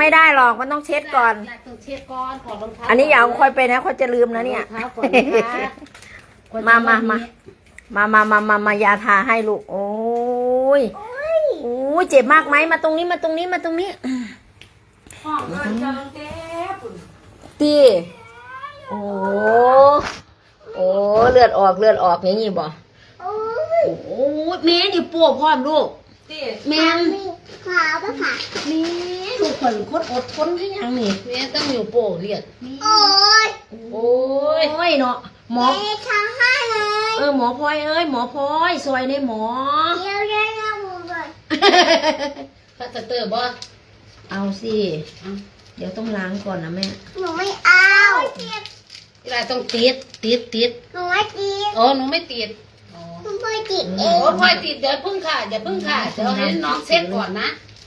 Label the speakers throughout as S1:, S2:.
S1: ไม่ได้หรอกมันต้องเช็ดก่อน
S2: ต้องเช็ดก่อนถอดรองเท้า
S1: อันนี้อย่าเอาค่อยไปนะค่อยจะลืมนะเนี่ย
S2: ถอดรองเท้าก่อนนะคะ
S1: มายาทาให้ลูกโอ้ยโอ้ยเจ็บมากไหมมาตรงนี้มาตรงนี้มาตรงนี้
S2: ห้องเอิ้นกำลังเจ็บ
S1: ตีโอ้โอ้เลือดออกอย่างนี้บ่โอ้ยแม่นี่ปวดพร้อมลูก
S2: ตี
S1: แม่
S3: ขาวปะค่ะ
S1: นี่ลูกคนคนอดทนให้ยังนี่
S2: แม่ต้องอยู่โป้เลียด
S3: โอ้ย
S1: โอ้ยเนาะหมอ
S3: เอ๊ะทำให้เลย
S1: หมอพลอยเอ้ยหมอพลอยซอยในหมอ
S3: เดี๋ยวเดี๋ยวหมูก่อน
S2: พลาสเตอร์บ่
S1: เอาสิเดี๋ยวต้องล้างก่อนนะแม่
S3: หนูไม่เอา
S2: เวลาต้องติด
S3: หนูไม่กิน
S2: อ๋อหนูไม่ติดอ๋อ
S3: หนูไม่กินเอ
S2: โอ้
S3: ง
S2: พลอยติดเดี๋ยวพึ่งค่ะเดี๋ยวให้น้องเซ็ตก่อนนะ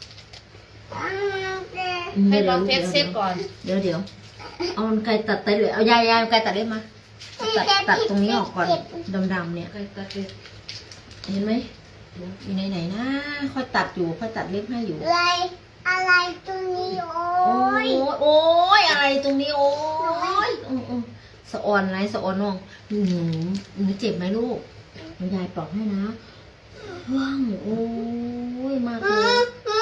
S2: ให้น้องเพชรเซ็ตก่อน
S1: เดี๋ยวเอามันไกลตัดไปเลยเอายายไกลตัดได้มาตัดตรงนี้ออกก่อนดำๆเนี่ย
S2: ใครตัดเลย
S1: เห็นไหมอยู่ไหนนะค่อยตัดอยู่ค่อยตัดเล็บให้อยู่
S3: อะไรตรงนี้โอ้
S1: โอ้
S3: ย
S1: ยอะไรตรงนี้โอ้ยสะออนไรสะออนน้องหนูเจ็บไหมลูกยายปลอบให้นะว่างโอ้ยมากเลย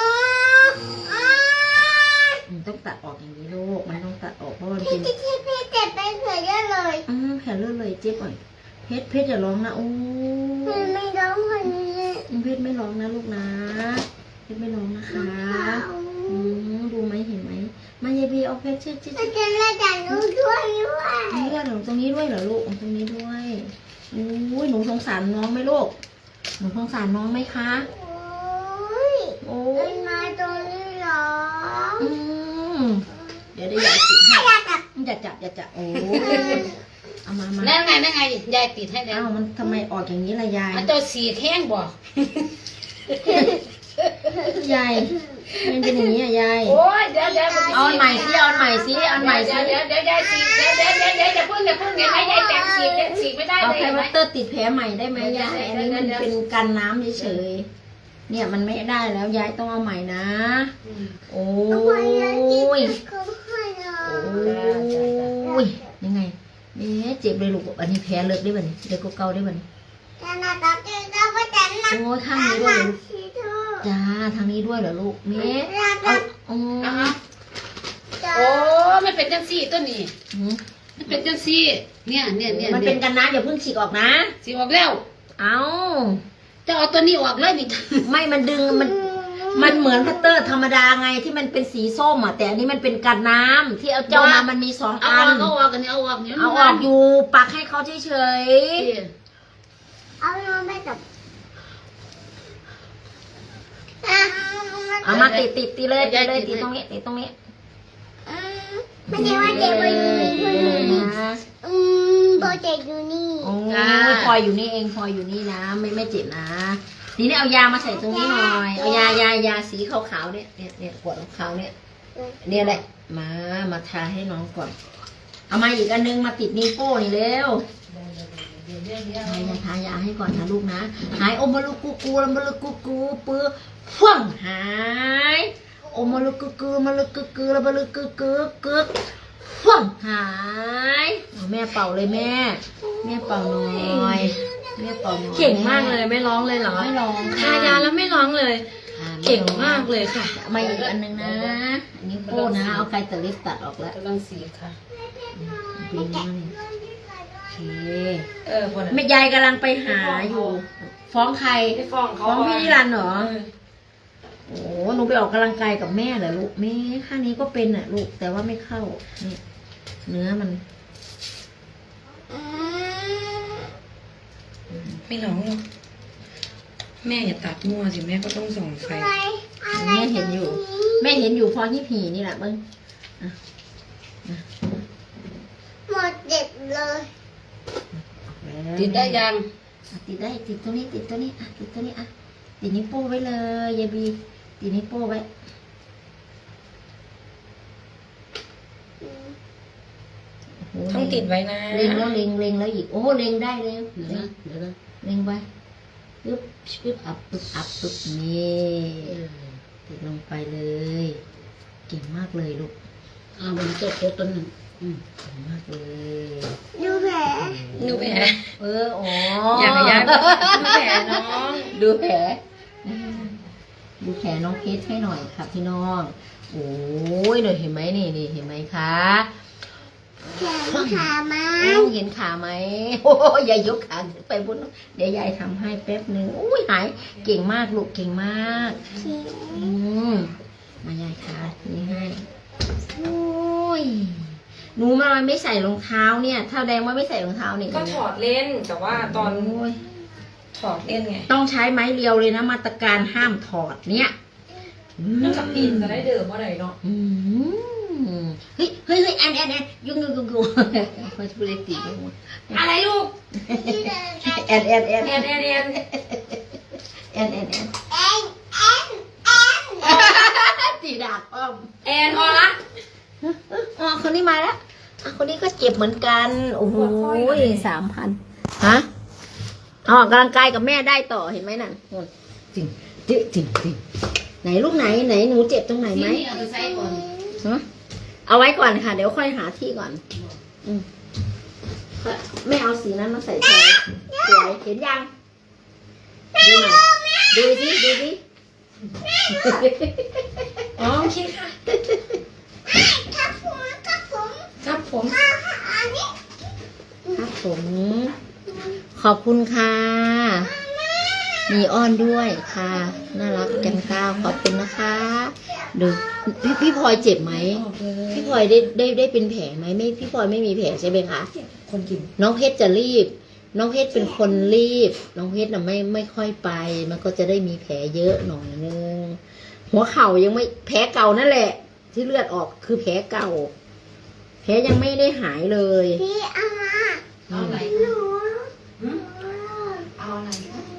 S1: ต้องตัดออกอย่างนี้ลูกมันต้องตัดออกเพราะมันเป็น
S3: พี่เจ็บไปเฉยเลย
S1: แผลเลือดเลยเจ็บอ่อยเพชรอย่าร้องนะโอ้
S3: พี่ไม่ร้องคนนี้
S1: เพชรไม่ร้องนะลูกนะเพชรไม่ร้องนะคะดูไหมเห็นไหมมายายบีเอาเพชรเช็ด
S3: มันจะเล่นแต่หนูด้วย
S1: เลือดตรงนี้ด้วยเหรอลูกตรงนี้ด้วยโอ้ยหนูสงสารน้องไหมลูกหนูสงสารน้องไหมคะ
S3: โอ้ย
S1: โอ้
S3: เป็นมาตรงนี้เหรอ
S1: เดี๋ยวได้ยายติดให้อย่าจับโอ้เอามา
S2: นั่นไงยายติดให้แล้ว
S1: มันทำไมออกอย่างนี้ล่ะยาย
S2: มันจะสีแท่งบ่
S1: ยายมันเป็นอย่างนี้อ่ะยาย
S2: โอ้ยเดี๋ยว
S1: เอาอันใหม่สิเอาอันใหม่สิ
S2: เดี๋ยวยายสีเดี๋ยวอย่าพึ่งเห็นไหมยายแต่งสีไม่ได้
S1: เอา
S2: เลย
S1: ไพ
S2: เห็นไหม
S1: วัตเตอร์ติดแผลใหม่ได้ไหมยายอันนี้มันเป็นกันน้ำเฉยๆเนี่ยมันไม่ได้แล้วยายต้องเอาใหม่นะโอ้ยยังไงเจ็บเลยลูกอันนี้แผลเลิกได้บ่เนี่ยเลิกเก่าได้บ่เนี่ยโอ้ยข้างนี้ด้วยจ้าทางนี้ด้วยเหรอลูกเมย์โอ้
S2: ไม่เป็นจังซี่ต้นนี้มันเป็นจังซี่เนี่ย
S1: มันเป็นกันน้ำอย่าเพิ่งฉีกออกนะ
S2: สีออกแล้ว
S1: เอา
S2: จะเอาตัวนี้ออกเลยนี่
S1: ไม่มันดึงมันเหมือนพัตเตอร์ธรรมดาไงที่มันเป็นสีส้มอ่ะแต่อันนี้มันเป็นกันน้ำที่เอาเจ้ามามันมี2
S2: เอา
S1: อัน
S2: ออกกันนี่เอาออกนี่
S1: เอาออกอยู่ปักให้เขาเฉย
S3: เอาน้องไปกับ
S1: ๆเอามาติดเลยติดตรงนี้
S3: ไม่ใช่ว่าเจ็บอยู่นี่โบเจ็บอยู่นี่
S1: โอ้ยพลอยอยู่นี่เองพลอยอยู่นี่นะไม่เจ็บนะทีนี้เอายามาใส่ตรงนี้หน่อยเอายาสีขาวๆเนี่ยขวดขาวๆเนี่ยแหละมาทาให้น้องก่อนเอามาอีกอันนึงมาติดนิ้วโป้นี่เร็วทายาให้ก่อนนะลูกนะหายโอมาลุกูแล้วมาลุกูปื้อฟ่องหายโอมาลุกูมาลุกูแล้วมาลุกูฟ่องหายแม่เป่าเลยแม่เป่าหน่อยแม่เป่าหน่อย
S4: เก่งมากเลยไม่ร้องเลยเหรอ
S1: ไม่ร้อง
S4: ทายาแล้วไม่ร้องเลย เก่งมากเลยค่ะ
S1: มาอีกอันนึงนะอันนี้โป้นะเอาไกลตะลิบตัดออกแล้ว
S2: กำลังสีค่ะ
S1: ปีนี้นี่โอเค
S4: คน
S1: แม่ยายกำลังไปหาอยู่ ฟ้องใคร
S4: ไม่ฟ้องเขา
S1: ฟ้องพี่นิรันดร์เหรอโอ้หนูไปออกกำลังกายกับแม่เหรอลูกแม่ข้างนี้ก็เป็นอ่ะลูกแต่ว่าไม่เข้านี่เนื้อมัน
S4: ไม่ร้องหรอกแม่อย่าตัดมั่วสิแม่ก็ต้องส่องไฟ
S1: แม่เห็นอยู่ฟ้องที่ผีนี่แหละมึง
S3: หมดเจ็บเลย
S2: ติดได้ยัง
S1: ติดได้ติดตัวนี้ติดตัวนี้อ่ะติดตัวนี้อ่ะติดนิ้วโป้ไว้เลยยายบีติดนิ้วโป้ไว้
S4: ต้องติดไว้นะ
S1: เล็งแล้วอีกโอ้เล็งได้เลย
S2: เดี๋ยวนะเดี๋ยวนะ
S1: เล็งไปปึ๊บอับนี่ติดลงไปเลยเก่งมากเลยลูก
S2: เอาบนโต๊ะโต๊ะต้นหนึ่ง
S1: เก่งมากเลย
S3: ดูแผล
S4: ดูแผล
S1: อ๋อ
S4: อยากให้ย่าดูแผลน้อง
S1: ดูแผลดูแผลน้องเพชรให้หน่อยค่ะพี่น้องโอ้ยเดี๋ยวเห็นไหมนี่เห็นไหมคะ
S3: แขนขามา
S1: เห็นขาไหมโอ้ยยายยกขาขึ้นไปบนเดี๋ยวยายทำให้แป๊บหนึ่งอุ้ยหายเก่งมากลูกเก่งมากมายายขานี่ให้โอ้ยหนูมาไม่ใส่รองเท้าเนี่ยถ้าแดงว่าไม่ใส่รองเท้าเนี่ย
S4: ก็ถอดเล่นแต่ว่าตอน
S1: โอ้ย
S4: ถอดเล่นไง
S1: ต้องใช้ไม้เรียวเลยนะมาตรการห้ามถอดเนี่ย
S4: นั่นกับปีนจะได้เดิมว่าไหนเนาะ
S1: เฮ้ยแอนยุ่งพอจะพูดเล็กตีกันหมด
S4: อะไรลูก
S1: แอน
S4: แอนแอน
S1: แอนตีดาบอ้อม
S4: แอนออละ
S1: อ๋อคนนี้มาแล้วคนนี้ก็เจ็บเหมือนกันโอ้โห3,000ฮะออกกำลังกายกับแม่ได้ต่อเห็นไหมนั่นจริงไหนลูกไหนหนูเจ็บตรงไหนไหม
S2: นี่เอาไปใส่ก่อน
S1: เอาไว้ก่อนค่ะเดี๋ยวค่อยหาที่ก่อนไม่เอาสีนั้นมาใส่แทนสวยเห็นยังดูหน่อยดูสิ
S4: อ๋อโอเคค่ะ
S3: ครับผม
S4: ครับผม
S1: ครับผมขอบคุณค่ะมีอ้อนด้วยค่ะน่ารักจังก้าวขอบคุณนะคะดูพี่พลอยเจ็บไหมพี่พลอยได้เป็นแผลไหมไม่พี่พลอยไม่มีแผลใช่ไหมคะ
S4: คนกิน
S1: น้องเพชรจะรีบ น้องเพชรเป็นคนรีบ น้องเพชรน่ะไม่ค่อยไป มันก็จะได้มีแผลเยอะหน่อยนึง หัวเข่ายังไม่แผลเก่านั่นแหละ ที่เลือดออกคือแผลเก่า แผลยังไม่ได้หายเลย
S3: พี่เอามา
S2: เอาอะไร
S3: หนู
S2: เอาอะไร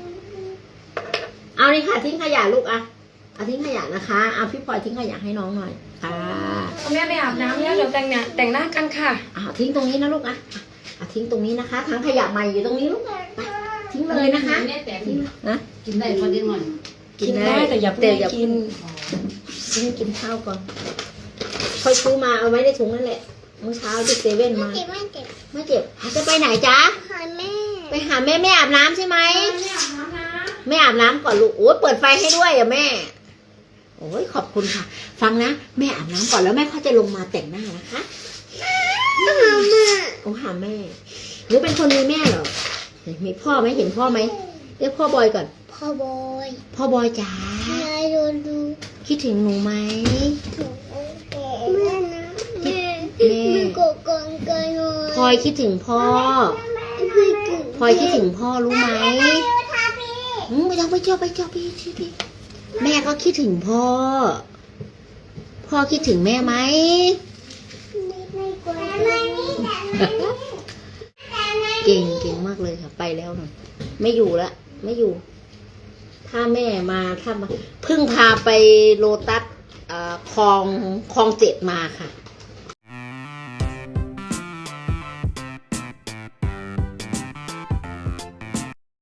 S1: เอานี่ค่ะทิ้งขยะลูกอะเอาทิ้งขยะนะคะเอาพี่พลอยทิ้งขยะให้น้องหน่อยค่ะ
S4: เอาแม่ไปอาบน้ำแล้วเดี๋ยวแต่งหน้ากันค่ะ
S1: เอาทิ้งตรงนี้นะลูกอะเอาทิ้งตรงนี้นะคะถังขยะใหม่อยู่ตรงนี้ลูกไปทิ้งเลยนะคะ
S2: เนี่ยแต่
S1: ทิ้งนะ
S2: กินได้พอดีหน่อย
S4: กินได้แต่อย่าเพิ่งกิน
S1: กินข้าวก่อน ค่อยซื้อมาเอาไว้ในถุงนั่นแหละเมื่อเช้าที่เซเว่นมา
S3: ไม่เจ็บ
S1: ไม่เจ็บจะไปไหนจ๊ะ
S3: หาแม่
S1: ไปหาแม่แม่อาบน้ำใช่ไหม
S4: ไม่อาบน้ำนะ
S1: แม่อาบน้ำก่อนลูกโอ้ยเปิดไฟให้ด้วยอ่ะแม่โอ้ยขอบคุณค่ะ ฟังนะแม่อาบน้ำก่อนแล้วแม่เขาจะลงมาแต่งหน้านะคะ
S3: หาแม่
S1: โอ้หาแม่หรือเป็นคนมีแม่เหรอมีพ่อไหมเห็นพ่อไหมเรียกพ่อบอยก่อน
S3: พ่อบอย
S1: พ่อบอยจ๋า
S3: ยายดูดู
S1: คิดถึงหนูไหม
S3: แม่นะแม่
S1: แม่
S3: มันโกกองกันเลย
S1: พลอยคิดถึงพ่อพลอยคิดถึงพ่อรู้ไหมไม่ต้องไปเจอพี่แม่ก็คิดถึงพ่อ พ่อคิดถึงแม่ไหม
S3: ไม่กลัว
S1: เก่งมากเลยค่ะไปแล้วหน่อยไม่อยู่ละไม่อยู่ ถ้าแม่มาเพิ่งพาไปโลตัสคลอง7มาค่ะ